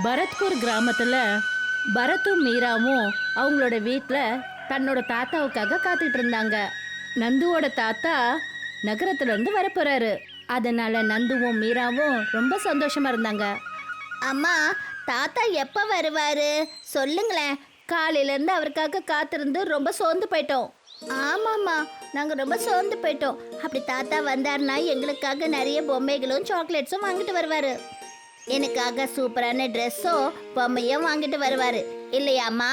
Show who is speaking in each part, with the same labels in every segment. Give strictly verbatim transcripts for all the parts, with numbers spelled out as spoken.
Speaker 1: பரத்பூர் கிராமத்துல பரத்தும் மீராவும் அவங்களோட வீட்டில் தன்னோட தாத்தாவுக்காக காத்துட்டு இருந்தாங்க. நந்துவோட தாத்தா நகரத்துல இருந்து வரப்போறாரு. அதனால நந்துவும் மீராவும் ரொம்ப சந்தோஷமா இருந்தாங்க.
Speaker 2: அம்மா, தாத்தா எப்போ வருவாரு சொல்லுங்களேன். காலையில இருந்து அவருக்காக காத்திருந்து ரொம்ப சோர்ந்து போயிட்டோம். ஆமாம்மா, நாங்கள் ரொம்ப சோர்ந்து போயிட்டோம். அப்படி தாத்தா வந்தாருன்னா எங்களுக்காக நிறைய பொம்மைகளும் சாக்லேட்ஸும் வாங்கிட்டு வருவாரு. எனக்காக சூப்பரான ட்ரெஸ்ஸும் பொம்மையும் வாங்கிட்டு வருவாரு இல்லையாம்மா?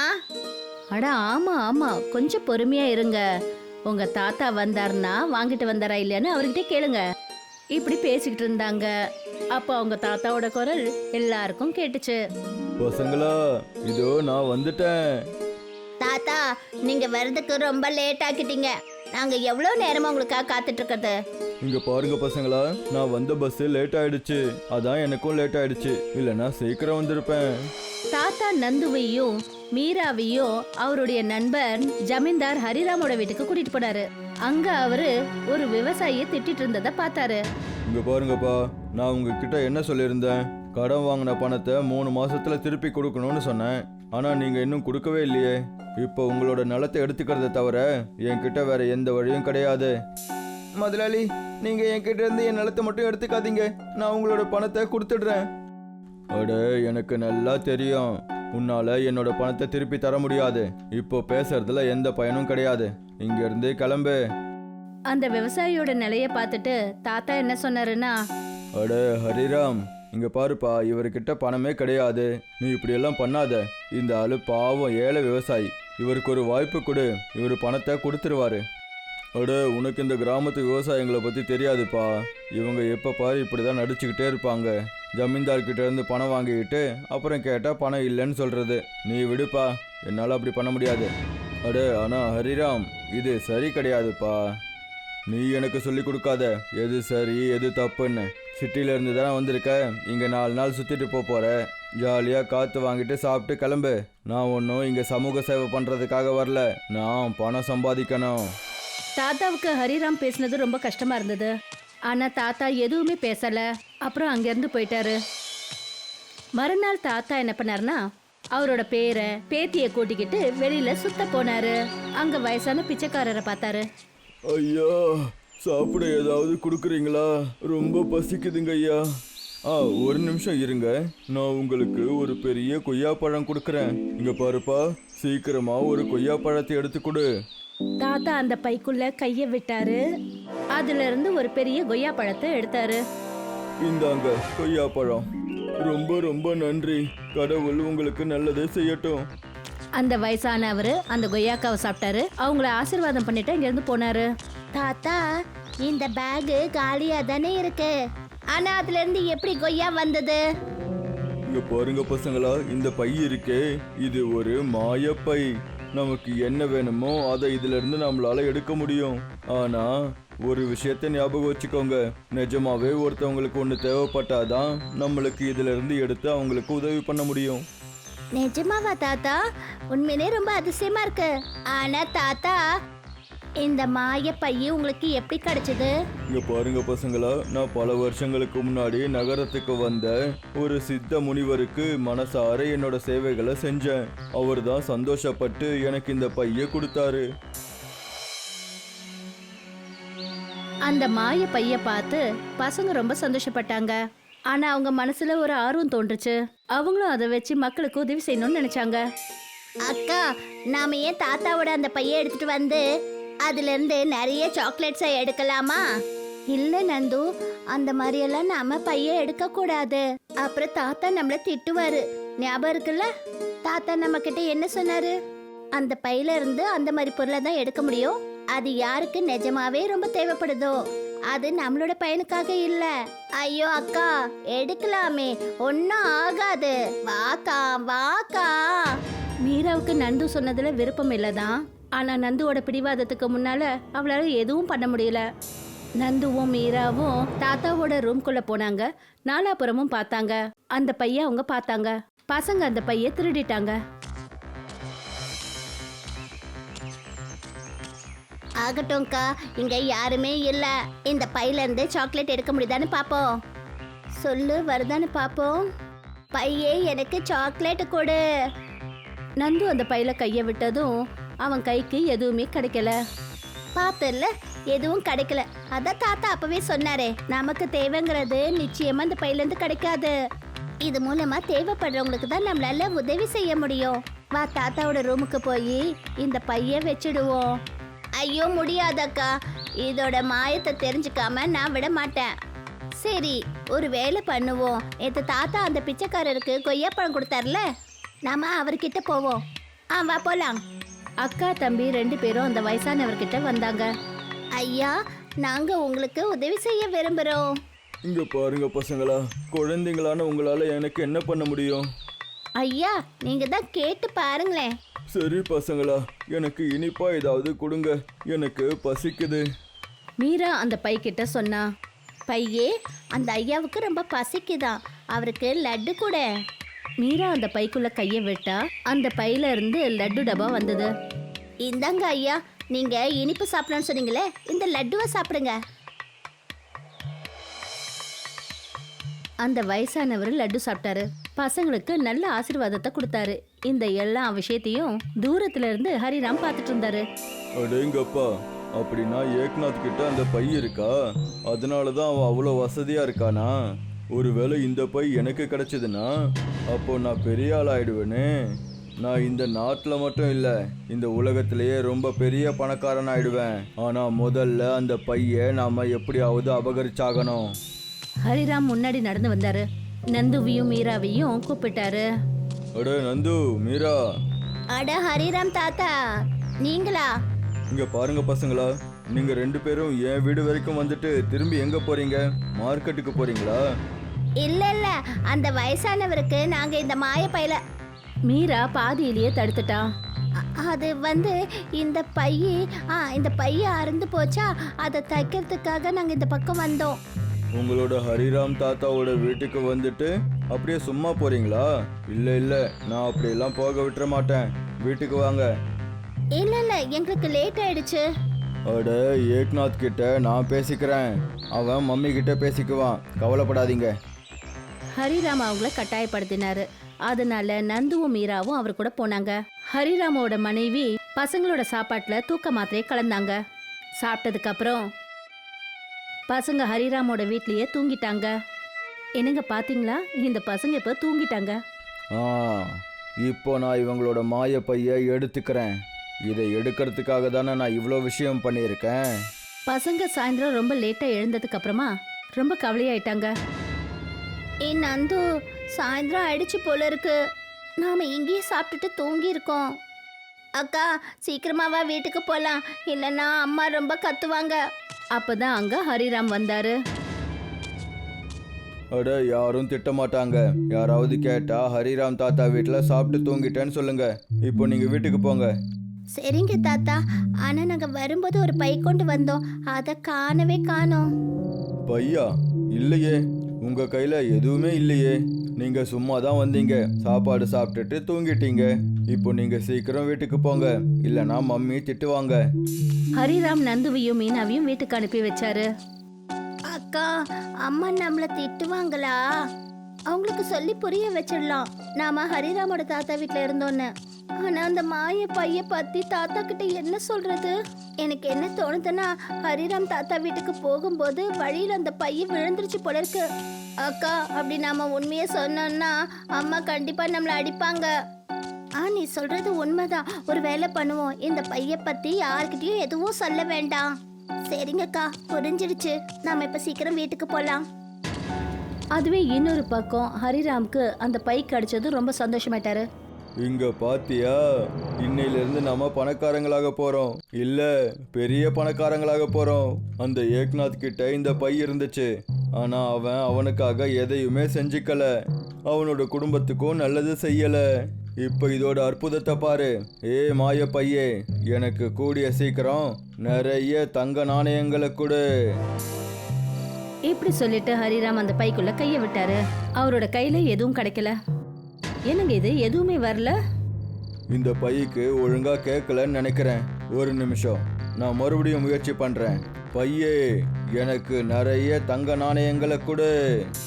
Speaker 1: அட ஆமா ஆமா, கொஞ்சம் பொறுமையா இருங்க. உங்க தாத்தா வந்தாருன்னா வாங்கிட்டு வந்தாரா இல்லையான்னு அவர்கிட்ட கேளுங்க. இப்படி பேசிக்கிட்டு இருந்தாங்க. அப்போ அவங்க தாத்தாவோட குரல் எல்லாருக்கும் கேட்டுச்சு.
Speaker 3: பசங்களா, இதோ நான் வந்துட்டேன்.
Speaker 2: தாத்தா, நீங்க வர்றதுக்கு ரொம்ப லேட் ஆக்கிட்டீங்க. நாங்க எவ்வளவு நேரமா உங்களுக்காக காத்துட்டு இருக்கிறது.
Speaker 3: இங்க பாருங்க பசங்களா, நான் வந்த பஸ் லேட் ஆயிடுச்சு. அதான் எனக்கும் லேட் ஆயிடுச்சு. இல்லைன்னா சீக்கிரம் வந்திருப்பேன்.
Speaker 1: தாத்தா நந்துவையும் மீராவையும் அவருடைய நண்பர் ஜமீன்தார் ஹரிராமோட வீட்டுக்கு கூட்டிட்டு போனாரு. அங்க அவரு ஒரு விவசாயியை திட்டிட்டு இருந்ததை பார்த்தாரு.
Speaker 3: இங்க பாருங்கப்பா, நான் உங்ககிட்ட என்ன சொல்லியிருந்தேன்? கடன் வாங்கின பணத்தை மூணு மாசத்துல திருப்பி கொடுக்கணும்னு சொன்னேன். ஆனா நீங்க இன்னும் கொடுக்கவே இல்லையே. இப்போ உங்களோட நிலத்தை எடுத்துக்கிறத தவிர என்கிட்ட வேற எந்த வழியும் கிடையாது. முதலாளி, நீங்க என்கிட்ட இருந்து என் நிலத்தை மட்டும் எடுத்துக்காதீங்க. நான் உங்களோட பணத்தை கொடுத்துடுறேன். அட, எனக்கு நல்லா தெரியும் உன்னால என்னோட பணத்தை திருப்பி தர முடியாது. இப்போ பேசுறதுல எந்த பயனும் கிடையாது. இங்க இருந்து கிளம்பு.
Speaker 1: அந்த விவசாயியோட நிலைய பார்த்துட்டு தாத்தா என்ன சொன்னாருன்னா,
Speaker 3: அட ஹரிராம், இங்க பாருப்பா, இவர்கிட்ட பணமே கிடையாது. நீ இப்படி எல்லாம் பண்ணாத. இந்த ஆளு பாவம் ஏழை விவசாயி. இவருக்கு ஒரு வாய்ப்பு கொடு, இவர் பணத்தை கொடுத்துருவாரு. அட, உனக்கு இந்த கிராமத்து விவசாயிங்களை பத்தி தெரியாதுப்பா. இவங்க எப்ப பாரு இப்படிதான் நடிச்சுக்கிட்டே இருப்பாங்க. ஜமீன்தார்கிட்ட இருந்து பணம் வாங்கிக்கிட்டு அப்புறம் கேட்டா பணம் இல்லைன்னு சொல்றது. நீ விடுப்பா, என்னால அப்படி பண்ண முடியாது. அட, ஆனா ஹரிராம், இது சரி கிடையாதுப்பா. நீ எனக்கு சொல்லி கொடுக்காத எது சரி எது தப்புன்னு. சிட்டில இருந்து தானே வந்திருக்க. இங்க நாலு நாள் சுத்திட்டு போக போற. ஜாலியா காத்து வாங்கிட்டு சாப்பிட்டு கிளம்பு. நான் ஒன்றும் இங்க சமூக சேவை பண்றதுக்காக வரல. நான் பணம் சம்பாதிக்கணும்.
Speaker 1: தாத்தாவுக்கு ஹரிராம் பேசினது ரொம்ப கஷ்டமா இருந்தது. ஆனா தாத்தா எதுவுமே பேசல. அப்புறம் அங்கிருந்து போயிட்டாரு. மறுநாள் தாத்தா என்ன பண்ணாருன்னா, அவரோட பேரை பேத்திய கூட்டிக்கிட்டு வெளியில சுத்த போனாரு. அங்க வயசான பிச்சைக்காரரை பார்த்தாரு.
Speaker 3: ஐயா, சாப்பிட ஏதாவது கொடுக்குறீங்களா? ரொம்ப பசிக்குதுங்க ஐயா. ஆ, ஒரு நிமிஷம் இருங்க. நான் உங்களுக்கு ஒரு பெரிய கொய்யாப்பழம் கொடுக்குறேன். இங்க பாருப்பா, சீக்கிரமா ஒரு கொய்யாப்பழத்தை எடுத்து கொடு.
Speaker 1: தாத்தா அந்த பைக்குள்ள கைய விட்டாரு. அதுல இருந்து ஒரு பெரிய கொய்யா பழத்தை எடுத்தாரு.
Speaker 3: இந்தாங்க கொய்யாப்பழம். ரொம்ப ரொம்ப நன்றி. கடவுள் உங்களுக்கு நல்லதே செய்யட்டும்.
Speaker 1: அந்த வயசானவரு அந்த கொய்யாக்காவை சாப்பிட்டாரு. அவங்கள ஆசீர்வாதம் பண்ணிட்டு இங்க இருந்து போனாரு.
Speaker 2: தாத்தா, இந்த பேகு காலியா தானே இருக்கு. ஆனா அதுல இருந்து எப்படி கொய்யா வந்தது?
Speaker 3: இங்க பாருங்க பசங்களா, இந்த பை இருக்கே, இது ஒரு மாயப்பை. நமக்கு என்ன வேணுமோ அதை இதுல இருந்து நம்மளால எடுக்க முடியும். ஆனா ஒரு விஷயத்த ஞாபகம் வச்சுக்கோங்க. நிஜமாவே ஒருத்தவங்களுக்கு ஒண்ணு தேவைப்பட்டாதான் நம்மளுக்கு இதுல இருந்து எடுத்து அவங்களுக்கு உதவி பண்ண முடியும்.
Speaker 2: நிஜமாவா தாத்தா? உண்மையிலே ரொம்ப அதிசயமா இருக்கு. ஆனா தாத்தா, இந்த மாய பைய உங்களுக்கு எப்படி கிடைச்சது?
Speaker 3: இங்க பாருங்க பசங்களா, நான் பல வருஷங்களுக்கு முன்னாடி நகரத்துக்கு வந்த ஒரு சித்த முனிவருக்கு மனசார என்னோட சேவைகளை செஞ்சேன். அவர் தான் சந்தோஷப்பட்டு எனக்கு இந்த பைய கொடுத்தாரு.
Speaker 1: அந்த மாய பைய பார்த்து பசங்க ரொம்ப சந்தோஷப்பட்டாங்க. ஆனா அவங்க மனசுல ஒரு ஆர்வம் தோன்றுச்சு. அவங்களும் அதை வச்சு மக்களுக்கு உதவி செய்யணும்னு நினைச்சாங்க.
Speaker 2: அக்கா, நாம ஏன் தாத்தாவோட அந்த பைய எடுத்துட்டு வந்து அதுல இருந்து நிறைய சாக்லேட்ஸை எடுக்கலாமா? இல்ல நந்து, அந்த மாதிரி எல்லாம் நாம பைய எடுக்க கூடாது. அப்புறம் தாத்தா நம்மள திட்டுவாரு. ஞாபகம் இருக்குல்ல? தாத்தா நம்ம கிட்ட என்ன சொன்னாரு? அந்த பையில இருந்து அந்த மாதிரி பொருளை தான் எடுக்க முடியும். அது யாருக்கு நிஜமாவே ரொம்ப தேவைப்படுதோ, அது நம்மளோட பையனுக்காக இல்ல. ஐயோ அக்கா, எடுக்கலாமே, ஒன்னும் ஆகாது. வாக்கா வாக்கா.
Speaker 1: மீராவுக்கு நந்து சொன்னதுல விருப்பம் இல்லதான். ஆனா நந்துவோட பிடிவாதத்துக்கு முன்னால அவளால எதுவும் பண்ண முடியல. நந்துவும் மீராவும் தாத்தாவோட ரூம்குள்ள போனாங்க. நாலாபுறமும் பார்த்தாங்க. அந்த பைய அவங்க பார்த்தாங்க. பசங்க அந்த பைய திருடிட்டாங்க.
Speaker 2: ஆகட்டும்க்கா, இங்க யாருமே இல்ல. இந்த பையில இருந்து சாக்லேட் எடுக்க முடியுதான்னு பாப்போம். சொல்லு, வருதான்னு பாப்போம். பையே எனக்கு சாக்லேட் கொடு.
Speaker 1: நந்து அந்த பையில கைய விட்டதும் அவன் கைக்கு எதுவுமே கிடைக்கல.
Speaker 2: பார்த்தல, எதுவும் கிடைக்கல. அதான் தாத்தா அப்பவே சொன்னாரே, நமக்கு தேவைங்கிறது நிச்சயமா இந்த பையில இருந்து கிடைக்காது. இது மூலமா தேவைப்படுறவங்களுக்கு தான் நம்மளால உதவி செய்ய முடியும். வா தாத்தாவோட ரூமுக்கு போய் இந்த பைய வச்சிடுவோம். ஐயோ முடியாதக்கா, இதோட மாயத்தை தெரிஞ்சுக்காம நான் விட மாட்டேன். சரி, ஒரு வேலை பண்ணுவோம். நேற்று தாத்தா அந்த பிச்சைக்காரருக்கு கொய்யாப்பழம் கொடுத்தார்ல, நாம அவர்கிட்ட போவோம். ஆ வா போலாம்.
Speaker 1: அக்கா தம்பி ரெண்டு பேரும் அந்த வயசானவர்கிட்ட வந்தாங்க.
Speaker 2: ஐயா, நாங்க உங்களுக்கு உதவி செய்ய விரும்புறோம்.
Speaker 3: இங்க பாருங்க பசங்களா, குழந்தைங்களான உங்களால எனக்கு என்ன பண்ண முடியும்?
Speaker 2: ஐயா, நீங்க தான் கேட்டு பாருங்களேன்.
Speaker 3: சரி பசங்களா, எனக்கு இனிப்பா ஏதாவது கொடுங்க, எனக்கு பசிக்குது.
Speaker 1: மீரா அந்த பை கிட்ட சொன்னா.
Speaker 2: பையே, அந்த ஐயாவுக்கு ரொம்ப பசிக்குதான், அவருக்கு லட்டு கூட.
Speaker 1: மீரா அந்த பைக்குள்ள கைய விட்டா அந்த பையில இருந்து லட்டு டப்பா வந்தது.
Speaker 2: இந்தாங்க ஐயா, நீங்க இனிப்பு சாப்பிடணும்னு சொன்னீங்களே, இந்த லட்டுவை சாப்பிடுங்க.
Speaker 1: அந்த வயசானவர் லட்டு சாப்பிட்டாரு. பசங்களுக்கு நல்ல ஆசீர்வாதத்தை கொடுத்தாரு. இந்த எல்லா விஷயத்தையும் தூரத்துல இருந்து ஹரிராம் பார்த்துட்டு இருந்தாரு.
Speaker 3: அடேங்கப்பா, அப்படின்னா ஏக்நாத் கிட்ட அந்த பை இருக்கா? அதனால தான் அவன் அவ்வளோ வசதியா இருக்கானா? ஒருவேளை இந்த பை எனக்கு கிடைச்சதுன்னா அப்போ நான் பெரிய ஆள் ஆயிடுவேனே. நான் இந்த நாட்டில் மட்டும் இல்லை, இந்த உலகத்திலேயே ரொம்ப பெரிய பணக்காரன் ஆயிடுவேன். ஆனால் முதல்ல அந்த பையை நாம எப்படியாவது அபகரிச்சாகணும்.
Speaker 1: ஹரிராம் முன்னாடி நடந்து வந்தாரு. நந்துவையும் மீராவையும் கூப்பிட்டாரு.
Speaker 3: அட நந்து, மீரா.
Speaker 2: அட ஹரிராம் தாத்தா, நீங்களா?
Speaker 3: இங்க பாருங்க பசங்களா, நீங்க ரெண்டு பேரும் என் வீடு வரைக்கும் வந்துட்டு திரும்பி எங்க போறீங்க? மார்க்கெட்டுக்கு போறீங்களா?
Speaker 2: இல்ல இல்ல, அந்த வயசானவருக்கு நாங்க இந்த மாய பையில.
Speaker 1: மீரா பாதியிலேயே தடுத்துட்டா.
Speaker 2: அ- அது வந்து இந்த பைய ஆ இந்த பைய அறுந்து போச்சா, அதை தைக்கிறதுக்காக நாங்க இந்த பக்கம் வந்தோம்.
Speaker 3: உங்களோட ஹரிராம் தாத்தாவோட வீட்டுக்கு வந்துட்டு அப்படியே சும்மா போறீங்களா? இல்ல இல்ல, நான் அப்படியெல்லாம் போக விட்டுற மாட்டேன். வீட்டுக்கு வாங்க.
Speaker 2: இல்ல இல்ல, எங்களுக்கு லேட் ஆயிடுச்சு.
Speaker 3: அட, ஏக்நாத் கிட்ட நான் பேசிக்கிறேன், அவன் மம்மி கிட்ட பேசிக்குவான், கவலைப்படாதீங்க.
Speaker 1: ஹரிராம் அவங்கள கட்டாயப்படுத்தினாரு. அதனால நந்துவும் மீராவும் அவர் கூட போனாங்க. ஹரிராமோட மனைவி பசங்களோட சாப்பாட்டுல தூக்க மாத்திரையை கலந்தாங்க. சாப்பிட்டதுக்கு அப்புறம் பசங்க ஹரிராமோட வீட்லயே தூங்கிட்டாங்க. என்னங்க பாத்தீங்களா, இந்த பசங்க இப்ப தூங்கிட்டாங்க.
Speaker 3: ஆ, இப்போ நான் இவங்களோட மாய பைய எடுத்துக்கிறேன். இதை எடுக்கிறதுக்காக தானே நான் இவ்வளோ விஷயம் பண்ணியிருக்கேன்.
Speaker 1: பசங்க சாயந்தரம் ரொம்ப லேட்டா எழுந்ததுக்கு அப்புறமா ரொம்ப கவலையாயிட்டாங்க.
Speaker 2: ஏ நந்து, சாயந்தரம் ஆயிடுச்சு போல இருக்கு. நாம இங்கேயே சாப்பிட்டுட்டு தூங்கி இருக்கோம். அக்கா, சீக்கிரமாவா வீட்டுக்கு போலாம், இல்லைன்னா அம்மா ரொம்ப கத்துவாங்க.
Speaker 1: அப்பதான் அங்க ஹரிராம் வந்தாரு.
Speaker 3: அட, யாரும் திட்ட மாட்டாங்க. யாராவது கேட்டா ஹரிராம் தாத்தா வீட்டில் சாப்பிட்டு தூங்கிட்டேன்னு சொல்லுங்க. இப்போ நீங்க வீட்டுக்கு போங்க.
Speaker 2: சரிங்க தாத்தா, ஆனா நாங்க வரும்போது ஒரு பை கொண்டு வந்தோம், அதை காணவே காணோம்.
Speaker 3: பையா? இல்லையே, உங்க கையில எதுவுமே இல்லையே. நீங்க சும்மா தான் வந்தீங்க, சாப்பாடு சாப்பிட்டுட்டு தூங்கிட்டீங்க. இப்போ நீங்க சீக்கிரம் வீட்டுக்கு போங்க, இல்லைன்னா மம்மி திட்டுவாங்க.
Speaker 1: ஹரிராம் நந்துவையும் மீனாவையும் வீட்டுக்கு அனுப்பி வச்சாரு.
Speaker 2: அக்கா, அம்மா நம்மள திட்டுவாங்களா? அவங்களுக்கு சொல்லி புரிய வச்சிடலாம், நாம ஹரிராமோட தாத்தா வீட்ல இருந்தோன்னு. ஆனா அந்த மாய பைய பத்தி தாத்தா கிட்ட என்ன சொல்றது? எனக்கு என்ன தோணுதுன்னா, ஹரிராம் தாத்தா வீட்டுக்கு போகும்போது வழியில அந்த பைய விழுந்துருச்சு போல இருக்கு. அக்கா, அப்படி நாம உண்மையை சொன்னோம்னா அம்மா கண்டிப்பா நம்மள அடிப்பாங்க. ஆ, நீ சொல்றது உண்மைதான். ஒரு வேலை பண்ணுவோம், இந்த பைய பத்தி யார்கிட்டயும் எதுவும் சொல்ல வேண்டாம். சரிங்கக்கா, புரிஞ்சிடுச்சு. நாம இப்ப சீக்கிரம் வீட்டுக்கு போலாம்.
Speaker 1: அதுவே இன்னொரு பக்கம் ஹரிராம்க்கு அந்த பை கிடைச்சது ரொம்ப சந்தோஷமாயிட்டாரு.
Speaker 3: இங்க பாத்தியா, இன்னையில இருந்து நம்ம பணக்காரங்களாக போறோம். இல்ல, பெரிய பணக்காரங்களாக போறோம். அந்த ஏக்நாத் கிட்ட இந்த பை இருந்துச்சு, ஆனா அவன் அவனுக்காக எதையுமே செஞ்சுக்கல, அவனோட குடும்பத்துக்கும் நல்லது செய்யல. இப்ப இதோட அற்புதத்தை பாரு. ஏ மாய பையே, எனக்கு கூடிய சீக்கிரம் நிறைய தங்க நாணயங்களை கொடு.
Speaker 1: இப்படி சொல்லிட்டு ஹரிராம் அந்த பைக்குள்ள கைய விட்டாரு. அவரோட கையில எதுவும் கிடைக்கல. என்னங்க இது, எதுவுமே வரல.
Speaker 3: இந்த பைக்கு ஒழுங்கா கேட்கலன்னு நினைக்கிறேன். ஒரு நிமிஷம், நான் மறுபடியும் முயற்சி பண்றேன். பையே, எனக்கு நிறைய தங்க நாணயங்களை கொடு.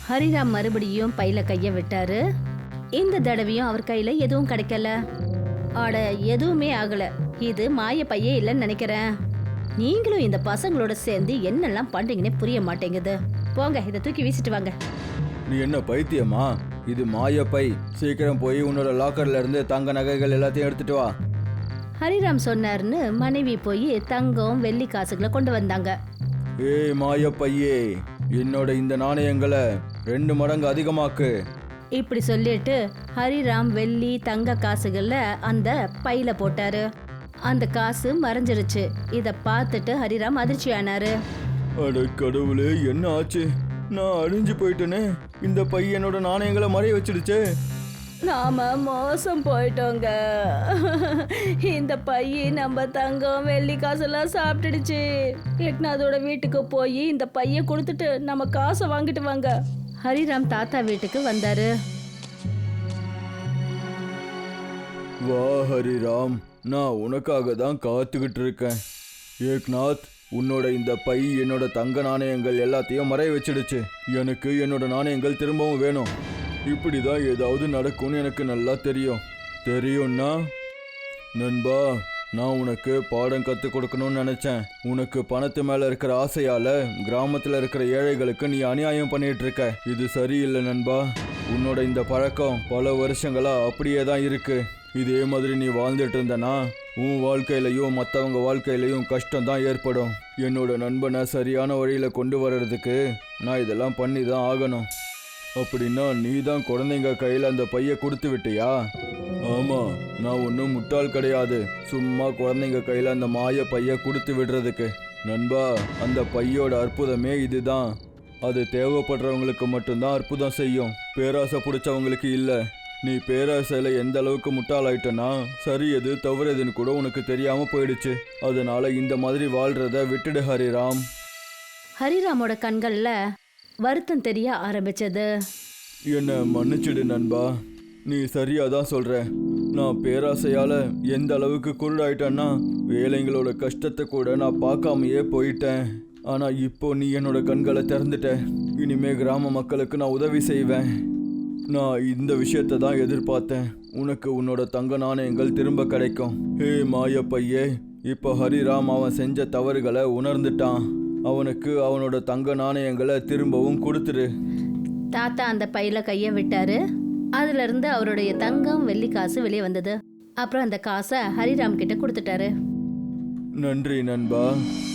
Speaker 1: ஹரிராம் மறுபடியும் பையில கைய விட்டாரு. இந்த தடவையும் அவர் கையில எதுவும் கிடைக்கல. அட, எதுவுமே ஆகல. இது மாய பையே இல்லைன்னு நினைக்கிறேன். நீங்களும் இந்த பசங்களோட சேர்ந்து என்னெல்லாம் பண்றீங்கன்னே புரிய மாட்டேங்குது. போங்க, இதை தூக்கி வீசிட்டு வாங்க.
Speaker 3: நீ என்ன பைத்தியமா? இது மாய பை. சீக்கிரம் போய் உன்னோட லாக்கர்ல இருந்து தங்க நகைகள் எல்லாத்தையும் எடுத்துட்டு வா.
Speaker 1: ஹரிராம் சொன்னாருன்னு மனைவி போய் தங்கம் வெள்ளி காசுகளை கொண்டு வந்தாங்க.
Speaker 3: ஏய் மாய பையே, என்னோட இந்த நாணயங்களை ரெண்டு மடங்கு அதிகமாக்கு.
Speaker 1: இப்படி சொல்லிட்டு ஹரிராம் வெள்ளி தங்க காசுகள்ல அந்த பையில போட்டாரு. அந்த காசு மறைஞ்சிருச்சு. இத பார்த்துட்டு ஹரிராம் அதிர்ச்சி ஆனாரு.
Speaker 3: அட கடவுளே, என்ன ஆச்சு? நான் அழிஞ்சு போயிட்டேனே. இந்த பை என்னோட நாணயங்களை மறைய வச்சிடுச்சே.
Speaker 1: நாம மோசம் போயிட்டோங்க. இந்த பைய நம்ம தங்கம் வெள்ளி காசெல்லாம் சாப்பிட்டுடுச்சு. ஏக்நாதோட வீட்டுக்கு போய் இந்த பைய கொடுத்துட்டு நம்ம காசை வாங்கிட்டு வாங்க. ஹரிராம் தாத்தா வீட்டுக்கு வந்தாரு.
Speaker 3: வா ஹரிராம், நான் உனக்காக தான் காத்துக்கிட்டு இருக்கேன். ஏக்நாத், உன்னோட இந்த பை என்னோட தங்க நாணயங்கள் எல்லாத்தையும் மறைய வச்சிடுச்சு. எனக்கு என்னோட நாணயங்கள் திரும்பவும் வேணும். இப்படிதான் ஏதாவது நடக்கும்னு எனக்கு நல்லா தெரியும். தெரியும்னா நண்பா, நான் உனக்கு பாடம் கற்றுக் கொடுக்கணும்னு நினச்சேன். உனக்கு பணத்து மேலே இருக்கிற ஆசையால் கிராமத்தில் இருக்கிற ஏழைகளுக்கு நீ அநியாயம் பண்ணிட்டு இருக்க. இது சரியில்லை நண்பா. உன்னோட இந்த பழக்கம் பல வருஷங்களா அப்படியே தான் இருக்கு. இதே மாதிரி நீ வாழ்ந்துட்டு இருந்தனா உன் வாழ்க்கையிலையும் மற்றவங்க வாழ்க்கையிலையும் கஷ்டம் தான் ஏற்படும். என்னோட நண்பனை சரியான வழியில் கொண்டு வர்றதுக்கு நான் இதெல்லாம் பண்ணி தான் ஆகணும். அப்படின்னா நீ தான் குழந்தைங்க கையில் அந்த பையை கொடுத்து விட்டியா? ஆமாம், நான் ஒன்றும் முட்டாள் கிடையாது. சும்மா குழந்தைங்க கையில் அந்த மாய பையை கொடுத்து விடுறதுக்கு. நண்பா, அந்த பையோட அற்புதமே இதுதான். அது தேவைப்படுறவங்களுக்கு மட்டும்தான் அற்புதம் செய்யும், பேராசை பிடிச்சவங்களுக்கு இல்லை. நீ பேராசையில் எந்த அளவுக்கு முட்டாளாயிட்டனா சரி எது தவறுதுன்னு கூட உனக்கு தெரியாமல் போயிடுச்சு. அதனால இந்த மாதிரி வாழ்றத விட்டுடு ஹரிராம்.
Speaker 1: ஹரிராமோட கண்கள்ல வருத்தம் தெரிய ஆரம்பிச்சது.
Speaker 3: என்ன மன்னிச்சிடு நண்பா, நீ சரியாக தான் சொல்கிற. நான் பேராசையால் எந்த அளவுக்கு குருடாயிட்டேன்னா ஏழைங்களோட கஷ்டத்தை கூட நான் பார்க்காமையே போயிட்டேன். ஆனால் இப்போ நீ என்னோட கண்களை திறந்துட்ட. இனிமே கிராம மக்களுக்கு நான் உதவி செய்வேன். நான் இந்த விஷயத்தை தான் எதிர்பார்த்தேன். உனக்கு உன்னோட தங்க நாணயங்கள் திரும்ப கிடைக்கும். ஹே மாய பையே, இப்போ ஹரிராம் அவன் செஞ்ச தவறுகளை உணர்ந்துட்டான். அவனுக்கு அவனோட தங்க நாணயங்களை திரும்பவும் கொடுத்துரு.
Speaker 1: தாத்தா அந்த பையில கைய விட்டாரு. அதுல இருந்து அவருடைய தங்கம் வெள்ளி காசு வெளியே வந்தது. அப்புறம் அந்த காசை ஹரிராம் கிட்ட கொடுத்துட்டாரு.
Speaker 3: நன்றி நண்பா.